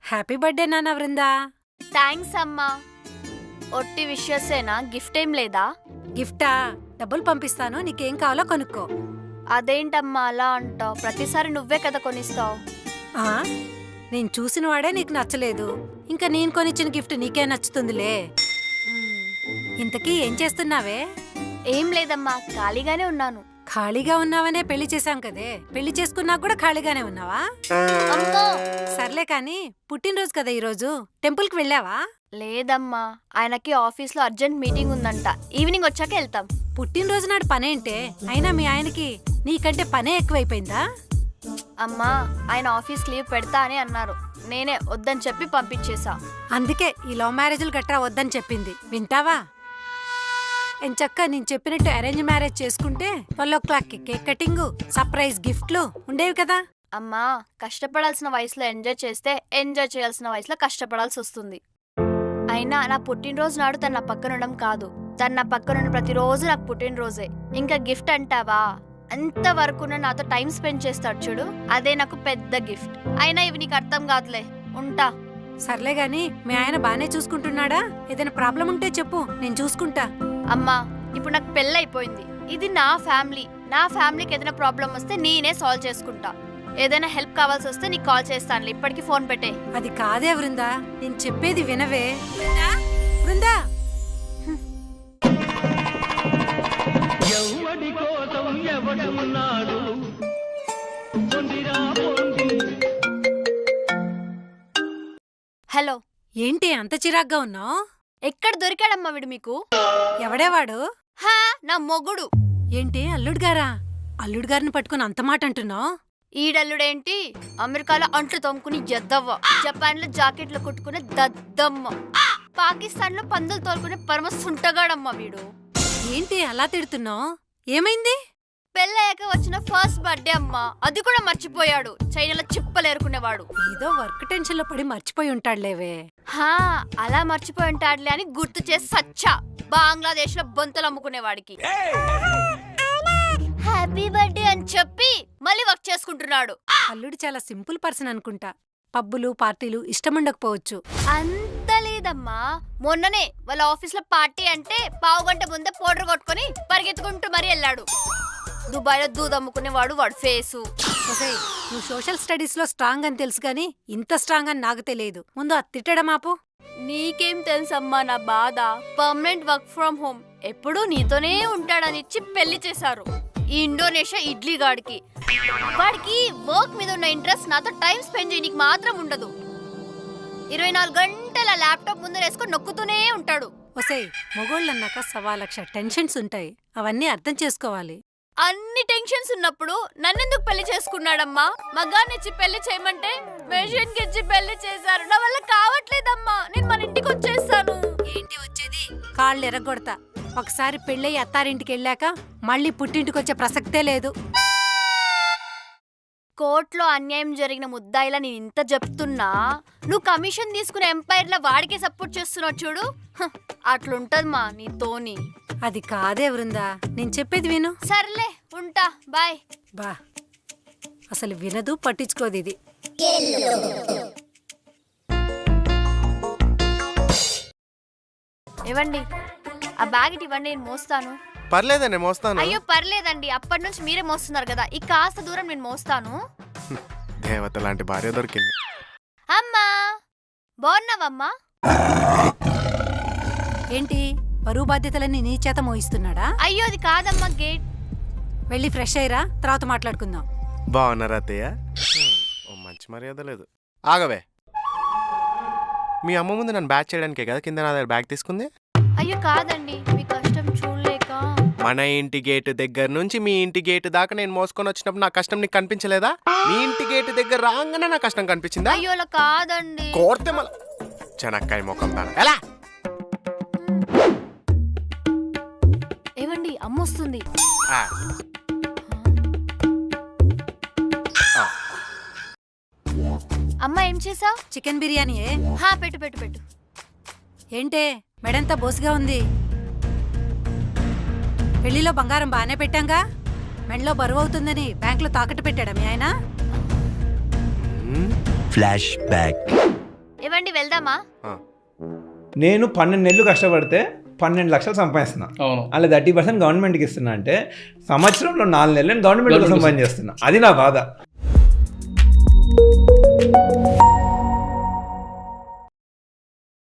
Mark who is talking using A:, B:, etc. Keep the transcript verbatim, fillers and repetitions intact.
A: Happy birthday నాన్న Vrinda.
B: Thanks అమ్మా. ఒట్టి విషయసేనా, గిఫ్ట్ ఏం లేదా?
A: గిఫ్టా? డబ్బులు పంపిస్తాను, నీకేం కావాలో కొనుక్కో.
B: అదేంటమ్మా అలా అంటావు? ప్రతిసారి నువ్వే కదా కొనిస్తావు.
A: ఆ నేను చూసిన వాడే నీకు నచ్చలేదు, ఇంకా నేను కొనిచ్చిన గిఫ్ట్ నీకే నచ్చుతుందిలే. ఇంతకీ ఏం చేస్తున్నావే?
B: ఏం లేదమ్మా, ఖాళీగానే ఉన్నాను.
A: ఖాళీగా ఉన్నావనే పెళ్లి చేశాం కదే, పెళ్లి చేసుకున్నా కూడా ఖాళీగానే ఉన్నావా?
B: అమ్మో
A: సర్లే కాని, పుట్టినరోజు కదా ఈరోజు, టెంపుల్ కి వెళ్ళావా?
B: లేదమ్మా, ఆయనకి ఆఫీస్ లో అర్జెంట్ మీటింగ్ ఉందంట, ఈవినింగ్ వచ్చాక వెళ్తాం.
A: పుట్టినరోజు నాడు పనేంటే? అయినా మీ ఆయనకి నీకంటే పనే ఎక్కువైపోయిందా?
B: అమ్మా, ఆయన ఆఫీస్ లీవ్ పెడతా అని అన్నారు, నేనే వద్దని చెప్పి పంపించేశా.
A: అందుకే ఈ లవ్ మ్యారేజ్లు గట్రా వద్దని చెప్పింది. వింటావా? ఎంచక్క నేను చెప్పినట్టు అరేంజ్ మ్యారేజ్ చేసుకుంటే ట్వెల్వ్ ఓ క్లాక్ కి కేక్ కటింగ్, సర్ప్రైజ్ గిఫ్ట్లు ఉండేవి కదా.
B: అమ్మా, కష్టపడాల్సిన వయసులో ఎంజాయ్ చేస్తే ఎంజాయ్ చేయాల్సిన వయసులో కష్టపడాల్సి వస్తుంది. అయినా నా పుట్టినరోజు నాడు తన నా పక్కనుండడం కాదు, తన నా పక్కనున్న ప్రతిరోజు నాకు పుట్టినరోజే. ఇంకా గిఫ్ట్ అంటావా? అంతవరకు నాతో టైం స్పెండ్ చేస్తాడు చూడు, అదే నాకు పెద్ద గిఫ్ట్. అయినా ఇవి నీకు అర్థం కాదులే, ఉంటా.
A: సర్లే గాని, మీ ఆయన బానే చూసుకుంటున్నాడా? ఏదైనా ప్రాబ్లం ఉంటే చెప్పు, నేను చూసుకుంటా.
B: అమ్మా, ఇప్పుడు నాకు పెళ్ళి అయిపోయింది, ఇది నా ఫ్యామిలీ. నా ఫ్యామిలీకి ఏదైనా ప్రాబ్లం వస్తే నేనే సాల్వ్ చేసుకుంటా. ఏదైనా హెల్ప్ కావాల్సి వస్తే నీకు కాల్ చేస్తానులే, ఇప్పటికి ఫోన్ పెట్టే.
A: అది కాదే వృందా, నేను చెప్పేది వినవే. వృందా,
B: హలో.
A: ఏంటి అంత చిరాగ్గా ఉన్నావు?
B: ఎక్కడ దొరికాడమ్మా వీడు మీకు?
A: ఎవడేవాడు?
B: హా, నా మొగుడు.
A: ఏంటి అల్లుడు గారా? అల్లుడు గారిని పట్టుకుని అంత మాట అంటున్నావు?
B: ఈడల్లుడేంటి, అమెరికాలో అంట్లు తోముకుని ఎద్దవ్వ, జపాన్ లో జాకెట్లు కుట్టుకునే దద్దమ్మ, పాకిస్తాన్ లో పందులు తోలుకునే పరమ సుంటగాడమ్మ వీడు.
A: ఏంటి అలా తిడుతున్నావు? ఏమైంది?
B: పెళ్ళయ్యాక వచ్చిన ఫస్ట్ బర్త్డే అమ్మా, అది కూడా మర్చిపోయాడు. చైనాలో చిప్పలేరుకునేవాడు.
A: ఏదో వర్క్ టెన్షన్ లో పడి మర్చిపోయి ఉంటాడులేవే.
B: హా, అలా మర్చిపోయి ఉంటాడులే అని గుర్తు చేసి సచ్చా. బంగ్లాదేశ్ లో బొంతలు అమ్ముకునేవాడికి హ్యాపీ బర్త్డే అని చెప్పి మళ్ళీ వర్క్ చేసుకుంటున్నాడు.
A: అల్లుడు చాలా సింపుల్ పర్సన్ అనుకుంటా. పబ్బులు పార్టీలు ఇష్టముండకపోవచ్చు.
B: అంత లేదమ్మా, మొన్ననే వాళ్ళ ఆఫీస్ లో పార్టీ అంటే పావు గంట ముందే పౌడర్ కొట్టుకుని పరిగెత్తుకుంటూ మరీ వెళ్ళాడు. దుబాయ్ లో దూద్ అమ్ముకునేవాడు వాడు ఫేసు.
A: నువ్వు సోషల్ స్టడీస్ లో స్ట్రాంగ్ అని తెలుసు గాని ఇంత స్ట్రాంగ్ అని నాకు తెలియదు. ముందు అది తిట్టడం ఆపు.
B: నీకేం తెలుసమ్మా నా బాధ? పర్మనెంట్ వర్క్ ఫ్రమ్ హోమ్, ఎప్పుడూ నీతోనే ఉంటాడని ఇచ్చి పెళ్లి చేశారు ఈ ఇండోనేషియా ఇడ్లీ గాడికి. వాడికి వర్క్ మీద ఉన్న ఇంట్రెస్ట్ నాతో టైం స్పెండ్ చేయడానికి మాత్రం ఉండదు. ఇరవై నాలుగు గంటల ల్యాప్టాప్ ముందర వేసుకొని నొక్కుతూనే ఉంటాడు.
A: ఒసేయ్, మొగోళ్ళన్నాక సవా లక్ష టెన్షన్స్ ఉంటాయి, అవన్నీ అర్థం చేసుకోవాలి.
B: అన్ని టెన్షన్స్ ఉన్నప్పుడు నన్నెందుకు పెళ్లి చేసుకున్నాడమ్మా? మగాన్నిచ్చి పెళ్లి చేయమంటే మెషిన్ కి ఇచ్చి పెళ్లి చేశారు. నా వల్ల కావట్లేదమ్మా, నేను మన ఇంటికి వచ్చేస్తాను.
A: ఏంటి వచ్చేది? కాళ్ళు ఎరగొడతా. ఒకసారి పెళ్ళయి అత్తారింటికి వెళ్ళాక మళ్ళీ పుట్టింటికి వచ్చే ప్రసక్తే లేదు.
B: కోర్టులో అన్యాయం జరిగిన ముద్దాయిలా నేను ఇంత చెప్తున్నా, నువ్వు కమిషన్ తీసుకునే ఎంపైర్ లా వాడికే సపోర్ట్ చేస్తున్నావు చూడు. హ, అట్లుంటదమ్మా నీతోని.
A: అది కాదే వృందా, నేను చెప్పేది విను.
B: సర్లే, ఉంటా, బాయ్.
A: బా, అసలు వినదు, పట్టించుకోదు ఇది.
B: ఇవ్వండి ఆ బ్యాగ్, ఇటు ఇవ్వండి, నేను మోస్తాను.
C: పర్లేదండి, మోస్తాను.
B: అయ్యో పర్లేదండి, అప్పటి నుంచి మీరే మోస్తున్నారు కదా, ఈ కాస్త దూరం నేను మోస్తాను.
C: దేవత లాంటి భార్య దొరికింది.
B: అమ్మా, బాగున్నావమ్మా?
A: ఏంటి బరువు బాధ్యతలన్నీ నీ చేత మోయిస్తున్నాడా?
B: అయ్యో అది కాదమ్మా, గేట్.
A: వెళ్ళి ఫ్రెష్ అయ్యరా, తర్వాత మాట్లాడుకుందాం.
C: బాగున్నారా అత్తయ్య? ఓ మంచి మర్యాద లేదు. ఆగవే, మీ అమ్మ ముందు నన్ను బ్యాగ్ చేయడానికే కదా కింద నా దగ్గర బ్యాగ్ తీసుకుంది.
B: అయ్యో కాదండి, మీ కష్టం చూడలేక.
C: మన ఇంటి గేటు దగ్గర నుంచి మీ ఇంటి గేటు దాకా నేను మోసుకొని వచ్చినప్పుడు నా కష్టం నీకు కనిపించలేదా? మీ ఇంటి గేటు దగ్గర రాగానే నా కష్టం కనిపించిందా?
B: అయ్యో అలా కాదండి.
C: కోర్తే మళ్ళా చెనక్కాయ ముఖం దాన ఎలా?
B: ఏవండి, అమ్మ వస్తుంది.
C: ఆ. ఆ.
B: అమ్మ ఏం చేసావ్?
A: చికెన్ బిర్యానీయే.
B: హా, పెట్టు పెట్టు పెట్టు.
A: ఏంటే మెడంతా బోసుగా ఉంది? పెళ్లిలో బంగారం బానే పెట్టాంగా, మెడలో బరువు అవుతుందని బ్యాంకులో తాకట్టు పెట్టాడా మీ ఆయన?
D: Flashback.
B: ఏవండి వెళ్దామా?
C: ఆ.
D: నేను పన్నెండు నెలలు కష్టపడితే పన్నెండు లక్షలు సంపాదిస్తున్నా,
E: అవును
D: అలా థర్టీ పర్సెంట్ గవర్నమెంట్కి ఇస్తున్నా అంటే సంవత్సరంలో నాలుగు నెలలు నేను గవర్నమెంట్ కోసం పని చేస్తున్నా. అది నా బాధ.